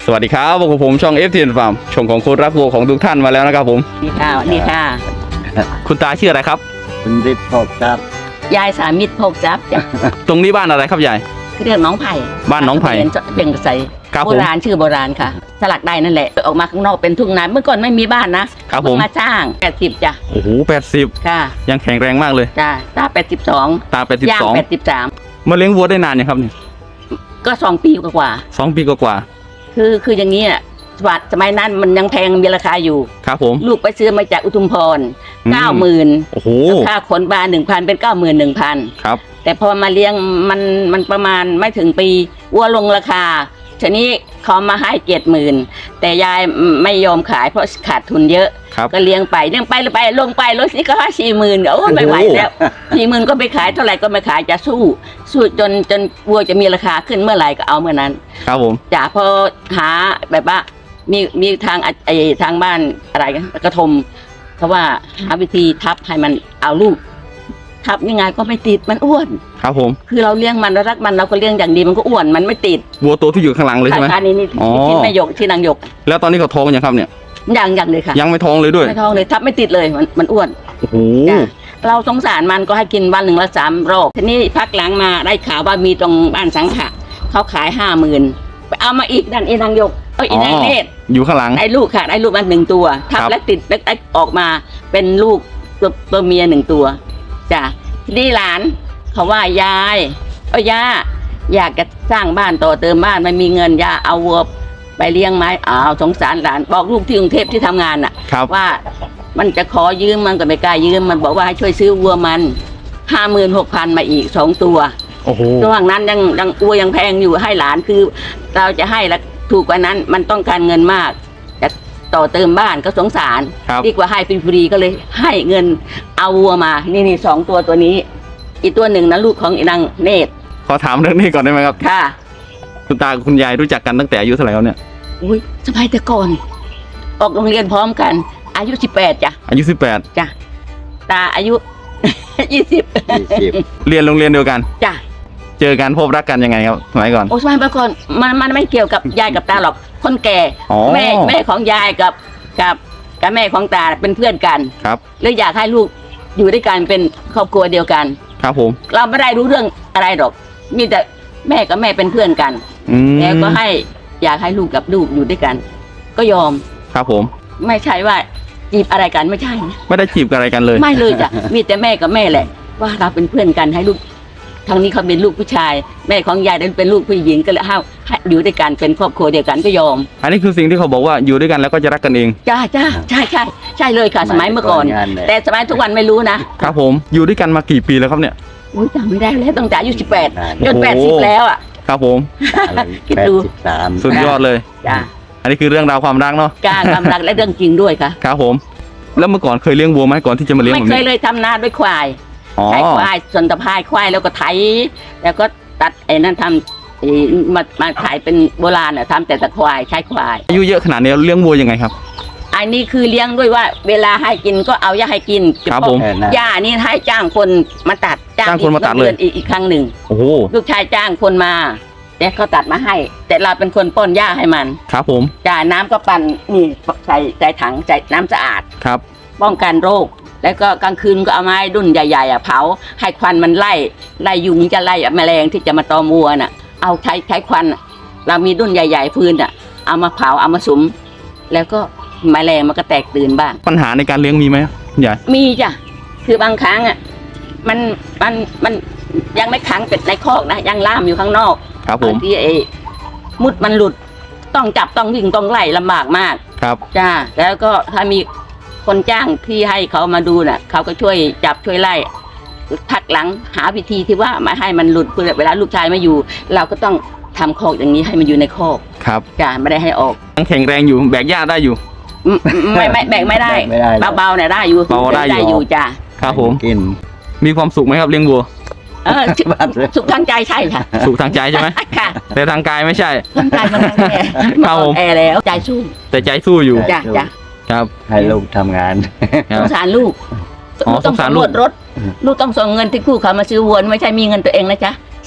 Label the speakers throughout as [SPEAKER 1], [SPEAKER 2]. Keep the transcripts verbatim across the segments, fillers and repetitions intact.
[SPEAKER 1] สวัสดีครับพวกผมช่อง เอฟ ที เอ็น Farm ช่องของคนรักวัวของทุกท่านมาแล้วนะครับผม
[SPEAKER 2] นี่ค่ะนี่ค่ะ
[SPEAKER 1] คุณตาชื่ออะไรครับ
[SPEAKER 3] คุณฤทธิ์พกทรัพย์
[SPEAKER 2] ยายสามิตรโภคทรัพย์จ้ะ
[SPEAKER 1] ตรงนี้บ้านอะไรครับยาย
[SPEAKER 2] เรียกน้องไผ่
[SPEAKER 1] บ้านน้องไผ่
[SPEAKER 2] เป็นใส
[SPEAKER 1] ครับ
[SPEAKER 2] โบ
[SPEAKER 1] ผม
[SPEAKER 2] ราณชื่อโบราณค่ะ สลักใดนั่นแหละออกมาข้างนอกเป็นทุ่งนาเมื่อก่อนไม่มีบ้านนะครับ
[SPEAKER 1] ผม
[SPEAKER 2] เพิ่งมาสร้างแปดสิบจ้ะ
[SPEAKER 1] โอ้โหแปดสิบ
[SPEAKER 2] ค่ะ
[SPEAKER 1] ยังแข็งแรงมากเลย
[SPEAKER 2] จ้ะตาแปดสิบสอง
[SPEAKER 1] ตาแปดสิบ
[SPEAKER 2] ย่าง
[SPEAKER 1] สอง
[SPEAKER 2] แปดสิบสาม
[SPEAKER 1] มาเลี้ยงวัวได้นานยังครับเนี่ย
[SPEAKER 2] ก็สองปีกว่า
[SPEAKER 1] สองปีกว่า
[SPEAKER 2] ๆคือคืออย่างนี้อ่ะสวัสดสมัยนั้นมันยังแพงมีราคาอยู่
[SPEAKER 1] ๆครับผม
[SPEAKER 2] ลูกไปซื้อมาจากอุทุมพร
[SPEAKER 1] อืม
[SPEAKER 2] เก้าหมื่น
[SPEAKER 1] โอ้โห
[SPEAKER 2] ค่าขนบาหนึ่งพันเป็นเก้าหมื่นหนึ่งพัน
[SPEAKER 1] ครับ
[SPEAKER 2] แต่พอมาเลี้ยงมันมันประมาณไม่ถึงปีวัวลงราคาทีนี้เขามาให้เจ็ดหมื่นแต่ยายไม่ยอมขายเพราะขาดทุนเยอะ
[SPEAKER 1] ครับ
[SPEAKER 2] ก็เลี้ยงไปเลี้ยงไปไปลงไปรถนี้ก็ให้สี่หมื่นโอ้ไม่ไหวแล้วสี่หมื่นก็ไปขายเท่าไหร่ก็ไม่ขายจะสู้ สู้จนจนวัวจะมีราคาขึ้นเมื่อไหร่ก็เอาเมื่อนั้น
[SPEAKER 1] ครับผม
[SPEAKER 2] จ่าพอหาแบบว่ามีมีทางไอทางบ้านอะไรกันกระทมเพราะว่าหาวิธีทับให้มันเอาลูก ทับยังไงก็ไม่ติดมันอ้วน
[SPEAKER 1] ครับผม
[SPEAKER 2] คือเราเลี้ยงมันเรารักมันเราก็เลี้ยงอย่างดีมันก็อ้วนมันไม่ติด
[SPEAKER 1] วัวตัวที่อยู่ข้างหลังเลยใช่ไหม
[SPEAKER 2] อันนี้นี่
[SPEAKER 1] อ๋อ
[SPEAKER 2] ที่แม่หยกที่นางหยก
[SPEAKER 1] แล้วตอนนี้เขาท้องยังครับเนี่ย
[SPEAKER 2] อย่างอย่างเลยค่ะ
[SPEAKER 1] ยังไม่ท้องเลยด้วย
[SPEAKER 2] ไม่ท้องเลยทับไม่ติดเลยมันมันอ้วน
[SPEAKER 1] โอ้โห
[SPEAKER 2] จ้ะเราสงสารมันก็ให้กินวันหนึ่งละสามรอบทีนี้พักหลังมาได้ข่าวว่ามีตรงบ้านสังขะเขาขายห้าหมื่นไปเอามาอีกดันอีนางหยกเอ้ยอีนางเนตร
[SPEAKER 1] อยู่ข้างหลัง
[SPEAKER 2] ได้ลูกค่ะได้ลูกมาหนึ่งตัวทับ
[SPEAKER 1] ครับ
[SPEAKER 2] และติดแล้วออกมาเป็นลูกตัวตัวเมียหนึ่งตัวจ้ะทีนี้หลานเขาว่ายายเอ้ยย่าอยากจะสร้างบ้านต่อเติมบ้านไม่มีเงินย่าเอาวัวไปเลี้ยงไหมอ้าวสงสารหลานบอกลูกที่กรุงเทพที่ทำงานน่ะ
[SPEAKER 1] ครับ
[SPEAKER 2] ว่ามันจะขอยืมมันก็ไม่กล้ายืมมันบอกว่าให้ช่วยซื้อวัวมันห้าหมื่นหกพันมาอีกสองตัว
[SPEAKER 1] โอ้โห
[SPEAKER 2] ระหว่างนั้นยังยังวัวยังแพงอยู่ให้หลานคือเราจะให้แล้วถูกกว่านั้นมันต้องการเงินมากจะต่อเติมบ้านก็สงสาร
[SPEAKER 1] ครับ
[SPEAKER 2] ดีกว่าให้ฟรีๆก็เลยให้เงินเอาวัวมานี่นี่สองตัวตัวนี้ อีกตัวหนึ่งนะลูกของอีนางเนตร
[SPEAKER 1] ขอถามเรื่องนี้ก่อนได้ไหมครับ
[SPEAKER 2] ค่ะ
[SPEAKER 1] คุณตากับคุณยายรู้จักกันตั้งแต่อายุเท่าไหร่แล้วเนี่ย
[SPEAKER 2] อุ้ยสมัยแต่ก่อน ออกโรงเรียนพร้อมกัน อายุสิบแปดจ้ะ
[SPEAKER 1] อายุสิบแปด
[SPEAKER 2] จ้ะตาอายุ ยี่สิบ
[SPEAKER 3] ยี่สิบ
[SPEAKER 1] เรียนโรงเรียนเดียวกัน
[SPEAKER 2] จ้ะ
[SPEAKER 1] เจอกันพบรักกันยังไงครับสมัยก่อน
[SPEAKER 2] โอ้สมัยก่อนมันมันไม่เกี่ยวกับยายกับตาหรอกคนแก่
[SPEAKER 1] อ๋อ
[SPEAKER 2] แม่แม่ของยายกับกับกับแม่ของตาเป็นเพื่อนกัน
[SPEAKER 1] ครับ
[SPEAKER 2] เลยอยากให้ลูกอยู่ด้วยกันเป็นครอบครัวเดียวกัน
[SPEAKER 1] ครับผม
[SPEAKER 2] เราไม่ได้รู้เรื่องอะไรหรอก มีแต่แม่กับแม่เป็นเพื่อนกัน
[SPEAKER 1] อืม
[SPEAKER 2] แล้วก็ให้อยากให้ลูกกับลูกอยู่ด้วยกัน ก็ยอม
[SPEAKER 1] ครับผม
[SPEAKER 2] ไม่ใช่ว่าจีบอะไรกันไม่ใช่นะ
[SPEAKER 1] ไม่ได้จีบกันอะไรกันเลย
[SPEAKER 2] ไม่เลยจ้ะ มีแต่แม่กับแม่แหละ ว่าเราเป็นเพื่อนกันให้ลูกทางนี้เขาเป็นลูกผู้ชาย แม่ของยายนั้นเป็นลูกผู้หญิงก็เลยให้ให้อยู่ด้วยกันเป็นครอบครัวเดียวกันก็ยอม
[SPEAKER 1] อันนี้คือสิ่งที่เขาบอกว่าอยู่ด้วยกันแล้วก็จะรักกันเอง
[SPEAKER 2] จ้าจ้าใช่ใช่ใช่เลยค่ะ สมัยเมื่อก่อน
[SPEAKER 3] งานเลย
[SPEAKER 2] แต่สมัยทุกวันไม่รู้นะครับ
[SPEAKER 1] ผมอยู่ด้วยกันมากี่ปีแล้วครับเนี่ย
[SPEAKER 2] อุ้ยจำไม่ได้แล้วตั้งแต่อายุสิบแปดจน
[SPEAKER 1] โอ้
[SPEAKER 2] แปด
[SPEAKER 1] โห
[SPEAKER 2] สิบแล้วอ่ะ
[SPEAKER 1] ครับผม
[SPEAKER 2] คิด
[SPEAKER 3] แปด
[SPEAKER 2] ดู
[SPEAKER 3] สิบสาม
[SPEAKER 1] สุดยอดเลย
[SPEAKER 2] จ้า
[SPEAKER 1] อันนี้คือเรื่องราวความรักเนาะ
[SPEAKER 2] การความรักและเรื่องจริงด้วยค่ะ
[SPEAKER 1] ครับผม แล้วเมื่อก่อนเคยเลี้ยงวัวไหมก่อนที่จะมาเลี้ยง
[SPEAKER 2] ไม่
[SPEAKER 1] แบบ
[SPEAKER 2] เคย
[SPEAKER 1] นี้
[SPEAKER 2] เลยทำนาด้วยควาย
[SPEAKER 1] อ๋อ
[SPEAKER 2] ใช้ควายส่วนตะพายควายแล้วก็ไถแล้วก็ตัดไอ้นั่นทำไอ้มามาขายเป็นโบราณอ่ะทำแต่ตะควายใช้ควาย
[SPEAKER 1] อายุเยอะขนาดนี้เลี้ยงวัวยังไงครับ
[SPEAKER 2] อันนี้คือเลี้ยงด้วยว่า เวลาให้กินก็เอายาให้กิน
[SPEAKER 1] ครับผม
[SPEAKER 3] เออนะ
[SPEAKER 2] หญ้านี่ให้จ้างคนมาตัด
[SPEAKER 1] จ้างคนมาตัดเลย
[SPEAKER 2] อีกอีกครั้งหนึ่ง
[SPEAKER 1] โอ้โห
[SPEAKER 2] ลูกชายจ้างคนมาแต่เขาตัดมาให้ แต่เราเป็นคนป้อนหญ้าให้มัน
[SPEAKER 1] ครับผม
[SPEAKER 2] จ่ายน้ำก็ปั่นนี่ใส่ใส่ถังใส่น้ำสะอาด
[SPEAKER 1] ครับ
[SPEAKER 2] ป้องกันโรค แล้วก็กลางคืนก็เอาไม้ดุ่นใหญ่ๆอ่ะเผาให้ควันมันไล่ไล่ยุงจะไล่แมลงที่จะมาตอมวัวน่ะ เอาใช้ใช้ควันน่ะเรามีดุ่นใหญ่ๆฟืนอ่ะเอามาเผาเอามาสุมแล้วก็แมลงมันก็แตกตื่นบ้าง
[SPEAKER 1] ปัญหาในการเลี้ยงมีไหมคุณยาย
[SPEAKER 2] มีจ้ะคือบางครั้งอ่ะมันมันมันยังไม่ขังเป็ดในคอกนะยังล่ามอยู่ข้างนอก
[SPEAKER 1] ครับผม
[SPEAKER 2] บางทีไอ้มุดมันหลุดต้องจับต้องวิ่งต้องไล่ลำบากมาก
[SPEAKER 1] ครับ
[SPEAKER 2] จ้าแล้วก็ถ้ามีคนจ้างที่ให้เขามาดูน่ะเขาก็ช่วยจับช่วยไล่พักหลังหาวิธีที่ว่าไม่ให้มันหลุดเพื่อเวลาลูกชายมาอยู่ เราก็ต้องทำคอกอย่างนี้ให้มันอยู่ในคอก
[SPEAKER 1] ครับ
[SPEAKER 2] จ้าไม่ได้ให้ออก
[SPEAKER 1] ยังแข็งแรงอยู่แบกหญ้าได้อยู่
[SPEAKER 2] อืมไม่ไม่แบกไม่ได้
[SPEAKER 3] ไม่ได้หรอก
[SPEAKER 2] เบาๆเนี่ยได้อยู่
[SPEAKER 1] เบาได้อยู่
[SPEAKER 2] อยู่จ้า
[SPEAKER 1] ครับผม
[SPEAKER 3] กิน
[SPEAKER 1] มีความสุขไหมครับเลี้ยงวัว
[SPEAKER 2] เออสุสุขทางใจใช่ค่ะ
[SPEAKER 1] สุขทางใจใช่ไหม
[SPEAKER 2] ค่ะ
[SPEAKER 1] แต่ทางกายไม่ใช่
[SPEAKER 2] ทางใจมันแอร์
[SPEAKER 1] ครับผม
[SPEAKER 2] แอร์แล้วใจสู้
[SPEAKER 1] แต่ใจสู้อยู่
[SPEAKER 2] จ้าจ้า
[SPEAKER 1] ครับ
[SPEAKER 3] ให้ลูกทำงาน
[SPEAKER 1] ครั
[SPEAKER 2] ส
[SPEAKER 1] บ
[SPEAKER 2] งสารลูก
[SPEAKER 1] อ๋อ
[SPEAKER 2] ลูกต้อง
[SPEAKER 1] สงสาร
[SPEAKER 2] สำ
[SPEAKER 1] ลู
[SPEAKER 2] ร
[SPEAKER 1] ก
[SPEAKER 2] วจรถ ลูกต้องส่งเงินที่คู่เขามาซื้อวัวไม่ใช่มีเงินตัวเองนะจ๊ะ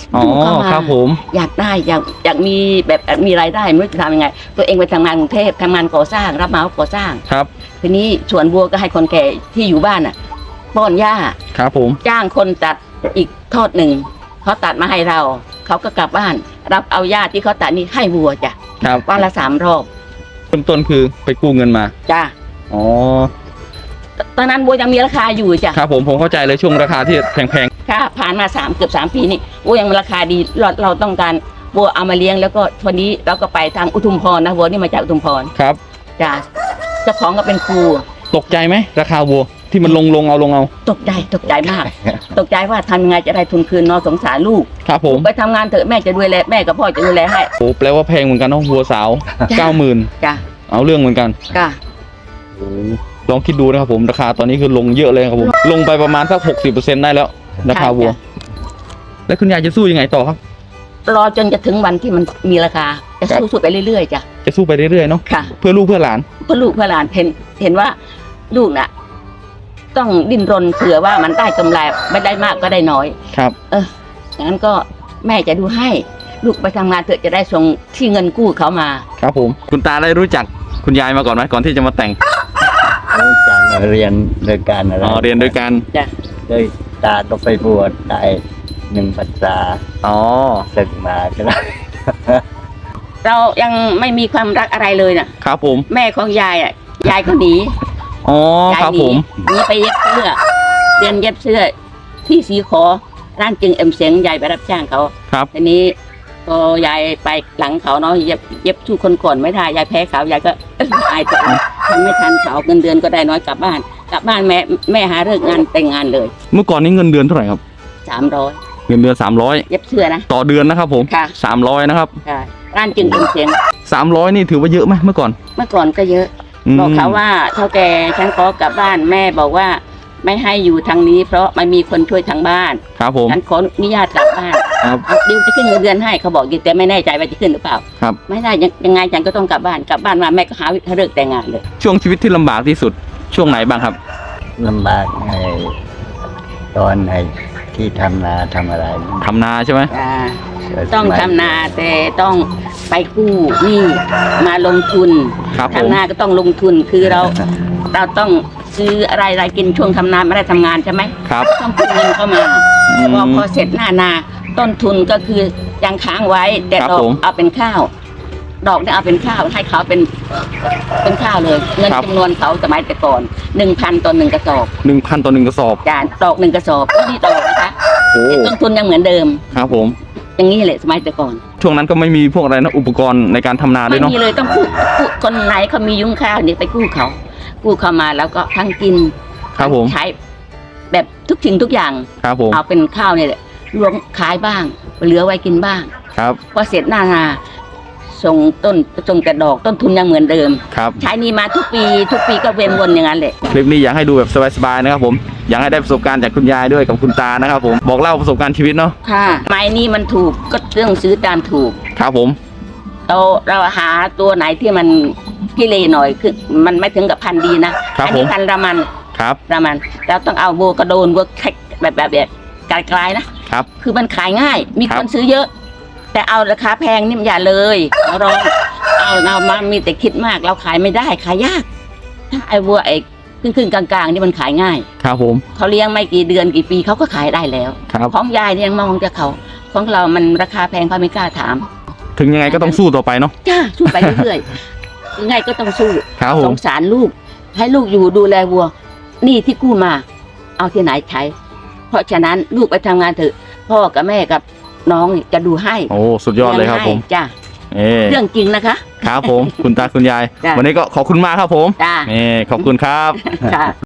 [SPEAKER 1] อ๋อ
[SPEAKER 2] ลูกเข้ามา
[SPEAKER 1] ครับผม
[SPEAKER 2] อยากได้อยากอยากมีแบบมีรายได้ไม่รู้จะทำยังไง ตัวเองไปทำงานกรุงเทพทำงานก่อสร้างรับเหมาก่อสร้าง
[SPEAKER 1] ครับ
[SPEAKER 2] ทีนี้สวนบัวก็ให้คนแก่ที่อยู่บ้านอ่ะป้อนหญ้า
[SPEAKER 1] ครับผม
[SPEAKER 2] จ้างคนตัดอีกทอดหนึ่งเขาตัดมาให้เราเขาก็กลับบ้าน รับเอาหญ้าที่เขาตัดนี่ให้วัวจ้ะ
[SPEAKER 1] ครับ
[SPEAKER 2] วันละสามรอบ
[SPEAKER 1] เริ่มต้นคือไปกู้เงินมา
[SPEAKER 2] จ้ะ
[SPEAKER 1] อ๋อ
[SPEAKER 2] ตอนนั้นบัวยังมีราคาอยู่จ้ะ
[SPEAKER 1] ครับผมผมเข้าใจเลยช่วงราคาที่แพง
[SPEAKER 2] ค่ะผ่านมาสามเกือบสามปีนี่บัวยังราคาดีเราเราต้องการบัวเอามาเลี้ยงแล้วก็วันนี้เราก็ไปทางอุทุมพรนะบัวนี่มาจากอุทุมพร
[SPEAKER 1] ๆครับ
[SPEAKER 2] จ้ะเจ้าของก็เป็นครู
[SPEAKER 1] ตกใจไหมราคาวัวที่มันลงลงเอาลงเอา
[SPEAKER 2] ตกใจตกใจมาก ตกใจว่าทำยังไงจะได้ทุนคืนเนอสงสารลูก
[SPEAKER 1] ครับผม
[SPEAKER 2] ไปทำงานเถอะแม่จะดูแลแม่กับพ่อจะดูแลให้
[SPEAKER 1] โอ้แปลว่าแพงเหมือนกันเนาะวัวสาว
[SPEAKER 2] จ้ะ
[SPEAKER 1] เก้าหมื่น
[SPEAKER 2] จ้ะ
[SPEAKER 1] เอาเรื่องเหมือนกัน
[SPEAKER 2] จ้ะ
[SPEAKER 1] ลองคิดดูนะครับผมราคาตอนนี้คือลงเยอะเลยครับผมลงไปประมาณสักหกสิบเปอร์เซ็นต์ได้แล้วราคาวัว แล้วคุณยายจะสู้ยังไงต่อครับ
[SPEAKER 2] รอจนจะถึงวันที่มันมีราคาจะ
[SPEAKER 1] ครับ
[SPEAKER 2] สู้ๆไปเรื่อยๆจ้ะ
[SPEAKER 1] จะสู้ไปเรื่อยๆเนาะ
[SPEAKER 2] ค่ะ
[SPEAKER 1] เพื่อลูกเพื่อหลาน
[SPEAKER 2] เพื่อลูกเพื่อหลานเห็นเห็นว่าลูกน่ะ ต้องดิ้นรนเผื่อว่ามันได้กำไรไม่ได้มากก็ได้น้อย
[SPEAKER 1] ครับ
[SPEAKER 2] เอออย่างนั้นก็แม่จะดูให้ ลูกไปทำงานเถอะจะได้ส่งที่เงินกู้เขามา
[SPEAKER 1] ครับผมคุณตาได้รู้จักคุณยายมาก่อนไหมก่อนที่จะมาแต่ง
[SPEAKER 3] รู้จักเรียนโดยการอะไร
[SPEAKER 1] อ๋อเรียนด้วยกัน
[SPEAKER 2] จ้ะ
[SPEAKER 3] โดยตาก็ไปบวชได้หนึ่งพรรษา
[SPEAKER 1] อ๋อ
[SPEAKER 3] ศึกมาก็ได้
[SPEAKER 2] เรายังไม่มีความรักอะไรเลยน่ะ
[SPEAKER 1] ครับผม
[SPEAKER 2] แม่ของยายอ่ะยายก็หนี
[SPEAKER 1] อ๋อย
[SPEAKER 2] าย
[SPEAKER 1] ครับ
[SPEAKER 2] หนี
[SPEAKER 1] ผม
[SPEAKER 2] หนีไปเย็บเสื้อเรียนเย็บเสื้อที่สีขอร้านจึงเอ็มเสียงยายไปรับจ้างเขา
[SPEAKER 1] ครับ
[SPEAKER 2] ทีนี้พอยายไปหลังเขาเนาะเย็บเย็บสู้คนก่อนไม่ได้ยายแพ้เขายายก็ เอ้ยอายตัวเองทำไม่ทันเขาเงินเดือนก็ได้น้อยกลับบ้าน กลับบ้านแม่แม่หาเลิกงานแต่งงานเลย
[SPEAKER 1] เมื่อก่อนนี้เงินเดือนเท่าไหร่ครับ
[SPEAKER 2] สามร้อย
[SPEAKER 1] เงินเดือนสามร้อย
[SPEAKER 2] เย็บเสื้อนะ
[SPEAKER 1] ต่อเดือนนะครับผม
[SPEAKER 2] ค่ะ
[SPEAKER 1] สามร้อยนะครับ
[SPEAKER 2] ค่ะร้านจึงเอ็มเสียง
[SPEAKER 1] สามร้อยนี่ถือว่าเยอะไหมเมื่อก่อน
[SPEAKER 2] เมื่อก่อนก็เยอะ
[SPEAKER 1] ม
[SPEAKER 2] บอกเขาว่าเท่าแกฉันขอกลับบ้านแม่บอกว่าไม่ให้อยู่ทางนี้ เพราะไม่มีคนช่วยทางบ้าน
[SPEAKER 1] ครับผม
[SPEAKER 2] ฉันขออนุญาตกลับบ้าน
[SPEAKER 1] ครับ
[SPEAKER 2] เอาดิวจะขึ้นเงินเดือนให้เขาบอกอยู่แต่ไม่แน่ใจว่าจะขึ้นหรือเปล่า
[SPEAKER 1] ครับ
[SPEAKER 2] ไม่ได้ยังยังไงฉันก็ต้องกลับบ้านกลับบ้านมาแม่ก็หาเลิกแต่งงานเลย
[SPEAKER 1] ช่วงชีวิตที่ลำบากที่สุดช่วงไหนบ้างครับ
[SPEAKER 3] ลำบากไอ้ตอนไอ้ที่ทำนาทำอะไร
[SPEAKER 1] ทำนาใช่ไหม
[SPEAKER 2] อ่า
[SPEAKER 3] เกิด
[SPEAKER 2] ต้อง
[SPEAKER 3] สมัย
[SPEAKER 2] ทำนาแต่ต้องไปกู้หนี้มาลงทุน
[SPEAKER 1] ครับผม
[SPEAKER 2] ทำนาก็ต้องลงทุนคือเรา เราต้องซื้ออะไรอะไรกินช่วงทำนาไม่ได้ทำงานใช่ไหม
[SPEAKER 1] ครับ
[SPEAKER 2] ต้องกู้เงินเข้ามา
[SPEAKER 1] อืม
[SPEAKER 2] พอพอเสร็จหน้านา ต้นทุนก็คือยังค้างไว้ แต่
[SPEAKER 1] ครับ
[SPEAKER 2] ดอก
[SPEAKER 1] ผม
[SPEAKER 2] เอาเป็นข้าว ดอกเนี่ยเอาเป็นข้าวให้เขาเป็นเป็นข้าวเลย เงิน
[SPEAKER 1] ครับ
[SPEAKER 2] จำนวนเขาสมัยแต่ก่อนหนึ่งพันต่อหนึ่งกระสอบ
[SPEAKER 1] หนึ่งพันต่อหนึ่งกระสอบ
[SPEAKER 2] จานดอกหนึ่งกระสอบไม่ได้ดอกนะคะ
[SPEAKER 1] โอ้
[SPEAKER 2] ต้นทุนยังเหมือนเดิม
[SPEAKER 1] ครับผม
[SPEAKER 2] อย่างนี้แหละสมัยแต่ก่อน
[SPEAKER 1] ช่วงนั้นก็ไม่มีพวกอะไรนะอุปกรณ์ในการทำนาด้ว
[SPEAKER 2] ไม่
[SPEAKER 1] ยเนาะ
[SPEAKER 2] มีเลยต้องกู้กู้คนไหนเขามียุ้งข้าวเนี่ยไปกู้เขา กู้เข้ามาแล้วก็ทั้งกิน
[SPEAKER 1] ครับผม
[SPEAKER 2] ใช้แบบทุกสิ่งทุกอย่าง
[SPEAKER 1] ครับผม
[SPEAKER 2] เอาเป็นข้าวเนี่ยแหละรวมขายบ้าง เหลือไว้กินบ้าง
[SPEAKER 1] ครับ
[SPEAKER 2] พอเสร็จหน้านาส่งต้นส่งแต่ดอกต้นทุนยังเหมือนเดิม
[SPEAKER 1] ครับ
[SPEAKER 2] ใช้หนี่มาทุกปี ทุกปีก็เวียนวนอย่างนั้นแหละ
[SPEAKER 1] คลิปนี้อยากให้ดูแบบสบายๆนะครับผมอยากให้ได้ประสบการณ์จากคุณยายด้วยกับคุณตานะครับผมบอกเล่าประสบการณ์ชีวิตเนาะ
[SPEAKER 2] ค่ะไม้นี่มันถูกก็ต้องซื้อตามถูก
[SPEAKER 1] ครับผม
[SPEAKER 2] เราเราหาตัวไหนที่มันพิเรหน่อยคือมันไม่ถึงกับพันธุ์ดีนะครับ อันี้
[SPEAKER 1] ผม
[SPEAKER 2] พันธุ์ระมัน
[SPEAKER 1] ครับ
[SPEAKER 2] ระมันเราต้องเอาโบกระโดนโบแคกแบบแบบแบบไกลๆนะครับ คือมันขายง่าย มี
[SPEAKER 1] ครั
[SPEAKER 2] ค
[SPEAKER 1] บ
[SPEAKER 2] นซื้อเยอะ แต่เอาราคาแพงนี่มันอย่าเลยเราลองเอาเรามามีแต่คิดมากเราขายไม่ได้ขายยากถ้าไอ้วัวไอ้ครึ่งๆกลางๆนี่มันขายง่าย
[SPEAKER 1] ครับผม
[SPEAKER 2] เขาเลี้ยงไม่กี่เดือนกี่ปีเขาก็ขายได้แล้ว
[SPEAKER 1] ครับ
[SPEAKER 2] ของยายเนี่ยยังมองจะเขาของเรามันราคาแพงเขาไม่กล้าถาม
[SPEAKER 1] ถึงยังไงก็ต้องสู้ต่อไปเนาะ
[SPEAKER 2] จ้าสู้ไปเรื่อยๆยังไงก็ต้องสู้
[SPEAKER 1] ครับผ
[SPEAKER 2] ส
[SPEAKER 1] ม
[SPEAKER 2] งสารลูก ให้ลูกอยู่ดูแลวัวหนี่ที่กู้มา เอาที่ไหนใช้ เพราะฉะนั้นลูกไปทำงานเถอะพ่อกับแม่กับน้องนี่จะดูให้
[SPEAKER 1] โอ้สุดยอดเลยครับผม
[SPEAKER 2] ให้จ้า
[SPEAKER 1] เอ่
[SPEAKER 2] เรื่องจริงนะคะ
[SPEAKER 1] ครับผมคุณตาคุณยาย
[SPEAKER 2] จ้ะ
[SPEAKER 1] วันนี้ก็ขอบคุณมากครับผม
[SPEAKER 2] จ้า
[SPEAKER 1] นี่ขอบคุณครับ
[SPEAKER 2] ค่ะ